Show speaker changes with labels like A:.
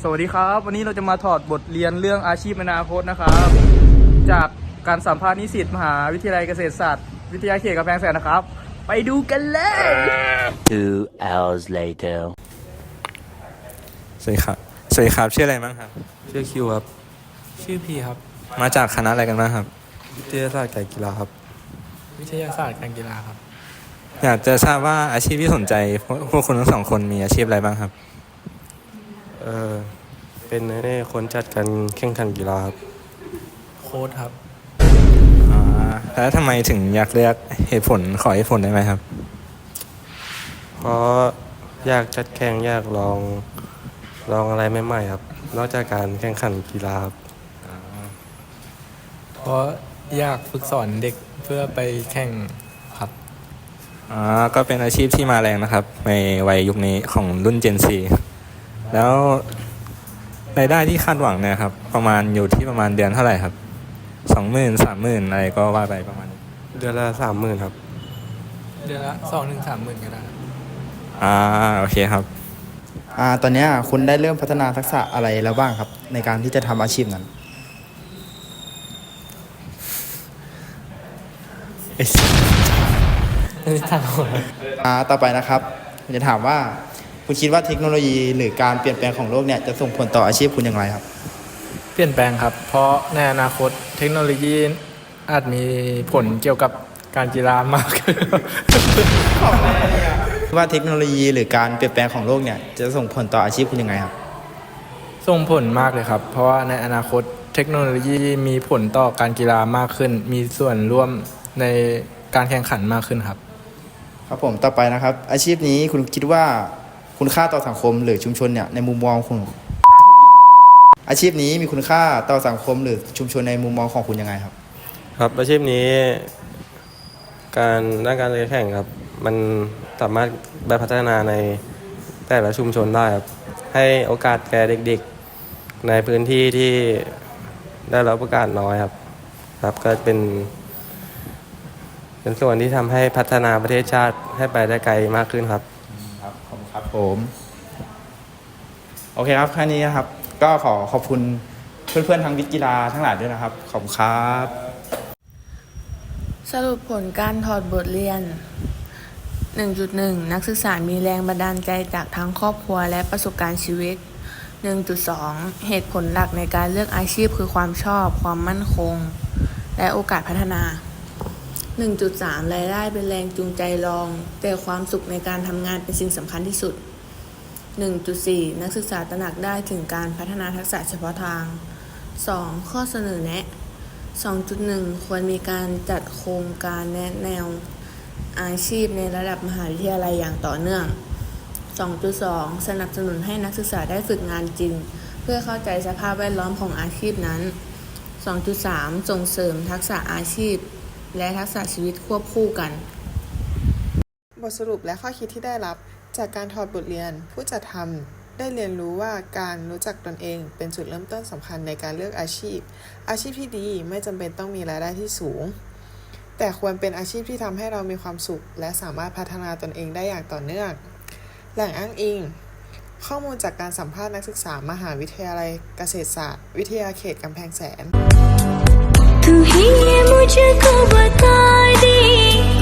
A: สวัสดีครับวันนี้เราจะมาถอดบทเรียนเรื่องอาชีพอนาคตนะครับจากการสัมภาษณ์นิสิตมหาวิทยาลัยเกษตรศาสตร์วิทยาเขตกำแพงแสนนะครับไปดูกันเลย
B: 2 hours later
C: สวัสดีครับชื่ออะไรบ้างครับ
D: ชื่อคิวครับ
E: ชื่อพีครับ
C: มาจากคณะอะไรกันบ้างครับ
D: วิทยาศาสตร์การกีฬาครับ
E: วิทยาศาสตร์การกีฬาครับ
C: อยากจะทราบว่าอาชีพที่สนใจพวกคุณทั้งสองคนมีอาชีพอะไรบ้างครับ
D: เป็นคนจัดการแข่งขันกีฬาครับ
E: โค้ดครับ
C: แล้วทำไมถึงอยากเลือกเหตุผลขอเหตุผลได้ไหมครับ
D: เพราะอยากจัดแข่งอยากลองอะไรใหม่ๆครับนอกจากการแข่งขันกีฬาครับ
E: เพราะอยากฝึกสอนเด็กเพื่อไปแข่งครับ
C: ก็เป็นอาชีพที่มาแรงนะครับในวัยยุคนี้ของรุ่น Gen Z แล้วรายได้ที่คาดหวังเนี่ยครับประมาณอยู่ที่ประมาณเดือนเท่าไหร่ครับ 20,000 30,000อะไรก็ว่าไปประมาณนี้
D: เดือนละ30,000ครับ
E: เดือนละ2-3 หมื่นก็ได้
C: โอเคครับ
F: ตอนนี้คุณได้เริ่มพัฒนาทักษะอะไรแล้วบ้างครับในการที่จะทำอาชีพนั้น ต่อไปนะครับผมจะถามว่าคุณคิดว่าเทคโนโลยีหรือการเปลี่ยนแปลงของโลกเนี่ยจะส่งผลต่ออาชีพคุณอย่างไรครับ
E: เปลี่ยนแปลงครับ เพราะในอนาคตเทคโนโลยีอาจมีผลเกี่ยวกับการกีฬามากขึ้น
F: ว่าเทคโนโลยีหรือการเปลี่ยนแปลงของโลกเนี่ยจะส่งผลต่ออาชีพคุณยังไงครับ
E: ส่งผลมากเลยครับ เพราะว่าในอนาคตเทคโนโลยีมีผลต่อการกีฬามากขึ้น มีส่วนร่วมในการแข่งขันมากขึ้นครับ
F: ครับผมต่อไปนะครับ อาชีพนี้คุณคิดว่าคุณค่าต่อสังคมหรือชุมชนเนี่ยในมุมมองของอาชีพนี้มีคุณค่าต่อสังคมหรือชุมชนในมุมมองของคุณยังไงครับ
D: ครับอาชีพนี้ด้านการแข่งครับมันสามารถไปพัฒนาในแต่ละชุมชนได้ครับให้โอกาสแก่เด็กๆในพื้นที่ที่ได้รับโอกาสน้อยครับก็เป็นส่วนที่ทำให้พัฒนาประเทศชาติให้ไปได้ไกลมากขึ้นครับ
F: ครับขอบคุณครับผมโอเคครับแค่นี้นะครับก็ขอบคุณเพื่อนๆทางวิทย์กีฬาทั้งหลายด้วยนะครับขอบคุณครับ
G: สรุปผลการถอดบทเรียน 1.1 นักศึกษามีแรงบันดาลใจจากทั้งครอบครัวและประสบการณ์ชีวิต 1.2 เหตุผลหลักในการเลือกอาชีพคือความชอบความมั่นคงและโอกาสพัฒนา 1.3 รายได้เป็นแรงจูงใจรองแต่ความสุขในการทำงานเป็นสิ่งสำคัญที่สุด 1.4 นักศึกษาตระหนักได้ถึงการพัฒนาทักษะเฉพาะทาง 2. ข้อเสนอแนะ 2.1 ควรมีการจัดโครงการแนะแนวอาชีพในระดับมหาวิทยาลัยอย่างต่อเนื่อง 2.2 สนับสนุนให้นักศึกษาได้ฝึกงานจริงเพื่อเข้าใจสภาพแวดล้อมของอาชีพนั้น 2.3 ส่งเสริมทักษะอาชีพและทักษะชีวิตควบคู่กัน
H: บทสรุปและข้อคิดที่ได้รับจากการถอดบทเรียนผู้จัดทำได้เรียนรู้ว่าการรู้จักตนเองเป็นจุดเริ่มต้นสำคัญในการเลือกอาชีพที่ดีไม่จำเป็นต้องมีรายได้ที่สูงแต่ควรเป็นอาชีพที่ทำให้เรามีความสุขและสามารถพัฒนาตนเองได้อย่างต่อเนื่องแหล่งอ้างอิงข้อมูลจากการสัมภาษณ์นักศึกษามหาวิทยาลัยเกษตรศาสตร์วิทยาเขตกำแพงแสน
I: तू ही ये मुझको बता दे